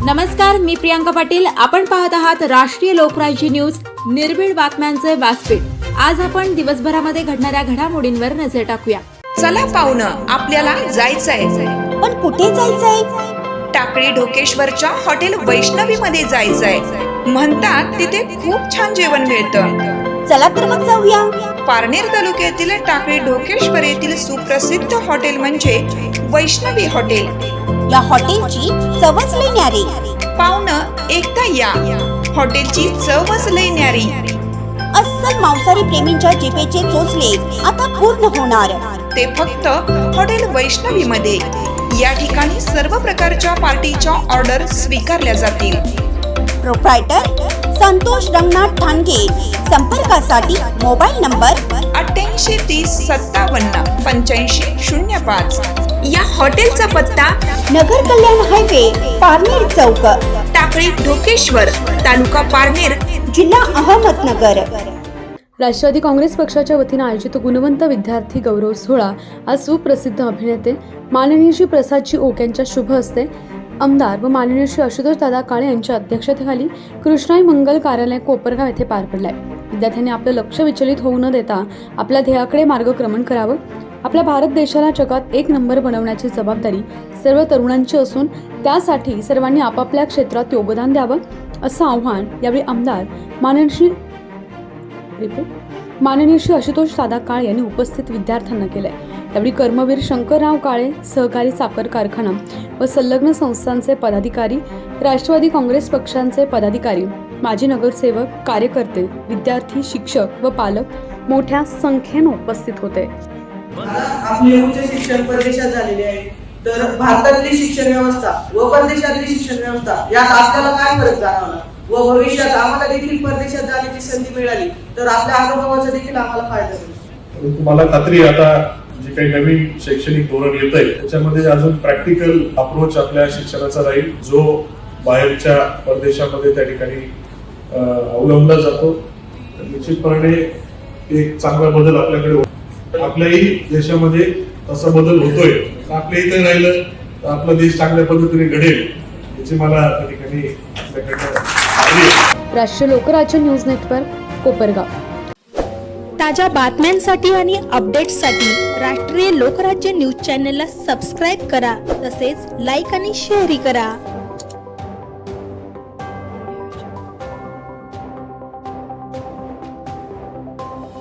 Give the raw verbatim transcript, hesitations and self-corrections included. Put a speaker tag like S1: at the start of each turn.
S1: नमस्कार, मी प्रियांका पाटील. आपण पाहत आहात राष्ट्रीय लोकराज्य न्यूज, निर्भीड बातम्यांचे व्यासपीठ. आज आपण दिवसभरामध्ये घडणाऱ्या घडामोडींवर नजर टाकूया.
S2: चला पाहुणं, आपल्याला जायचंय.
S3: पण कुठे जायचंय?
S2: टाकळी ढोकेश्वरच्या हॉटेल वैष्णवी मध्ये जायचंय. म्हणतात तिथे खूप छान जेवण मिळतं.
S3: चला तर मग जाऊया.
S2: पारनेर तालुक्यातील टाकळी ढोकेश्वर येथील सुप्रसिद्ध हॉटेल म्हणजे वैष्णवी हॉटेल.
S3: या हॉटेलची चवच लई न्यारी.
S2: पाहुणं, एकदा या. हॉटेलची चवच लई न्यारी.
S3: अस्सल मांसाहारी प्रेमींच्या जिभेचे चोचले आता पूर्ण होणार.
S2: ते फक्त हॉटेल वैष्णवी मध्ये. या ठिकाणी सर्व प्रकारच्या पार्टीच्या ऑर्डर स्वीकारल्या जातील.
S3: प्रोप्रायटर संतोष रंगनाथ ठाणगे. संपर्कासाठी मोबाईल नंबर
S2: अठ्ठ्याऐंशी तीस सत्तावन्न पंच्याऐंशी शून्य पाच. या हॉटेलचा पत्ता
S3: नगर कल्याण हायवे, पारनेर चौक,
S2: टाकळी ढोकेश्वर, तालुका पारनेर,
S3: जिल्हा अहमदनगर.
S4: राष्ट्रवादी काँग्रेस पक्षाच्या वतीने आयोजित गुणवंत विद्यार्थी गौरव सोहळा आज सुप्रसिद्ध अभिनेते माननीय श्री प्रसादजी ओक यांच्या शुभ हस्ते आमदार व माननीय श्री आशुतोष दादा काळे यांच्या अध्यक्षतेखाली कृष्णाई मंगल कार्यालय कोपरगाव येथे पार पडलाय. विद्यार्थ्यांनी आपलं लक्ष विचलित होऊ न देता आपल्या ध्येयाकडे मार्गक्रमण करावं. आपल्या भारत देशाला जगात एक नंबर बनवण्याची जबाबदारी सर्व तरुणांची असून त्यासाठी सर्वांनी आपापल्या क्षेत्रात योगदान द्यावं असं आव्हान यावेळी आमदार माननीय श्री माननीय श्री आशुतोष दादा काळे यांनी उपस्थित विद्यार्थ्यांना केलंय. यावेळी कर्मवीर शंकरराव काळे सहकारी साखर कारखाना व संलग्न संस्थांचे पदाधिकारी, राष्ट्रवादी काँग्रेस पक्षांचे पदाधिकारी, माजी नगरसेवक, कार्यकर्ते, विद्यार्थी, शिक्षक व पालक मोठ्या संख्येने उपस्थित होते.
S5: आपले उच्च शिक्षण परदेशात झालेले आहे, तर भारतातली शिक्षण व्यवस्था व परदेशातली शिक्षण व्यवस्था यात आपल्याला काय फरक जाणवला व भविष्यात आम्हाला देखील परदेशात जाण्याची संधी मिळाली तर आपल्या अनुभवाचा देखील आम्हाला फायदा होईल.
S6: तुम्हाला खात्री आता जे काही नवीन शैक्षणिक धोरण येत आहे त्याच्यामध्ये अजून प्रॅक्टिकल अप्रोच आपल्या शिक्षणाचा राहील, जो बाहेरच्या परदेशामध्ये त्या ठिकाणी अवलंबला जातो. निश्चितपणे एक चांगला बदल आपल्याकडे होतो. आपल्याही देशामध्ये तसा बदल होतोय. आपल्या इथे राहिलं तर आपला देश चांगल्या पद्धतीने घडेल याची मला त्या ठिकाणी आपल्याकडे.
S4: राष्ट्रीय लोकराज्य न्यूज नेटवर्क, कोपरगाव.
S7: ताज्या बातम्यांसाठी आणि अपडेट्ससाठी राष्ट्रीय लोकराज्य न्यूज चॅनलला सबस्क्राईब करा. तसेच लाईक आणि शेअरही करा.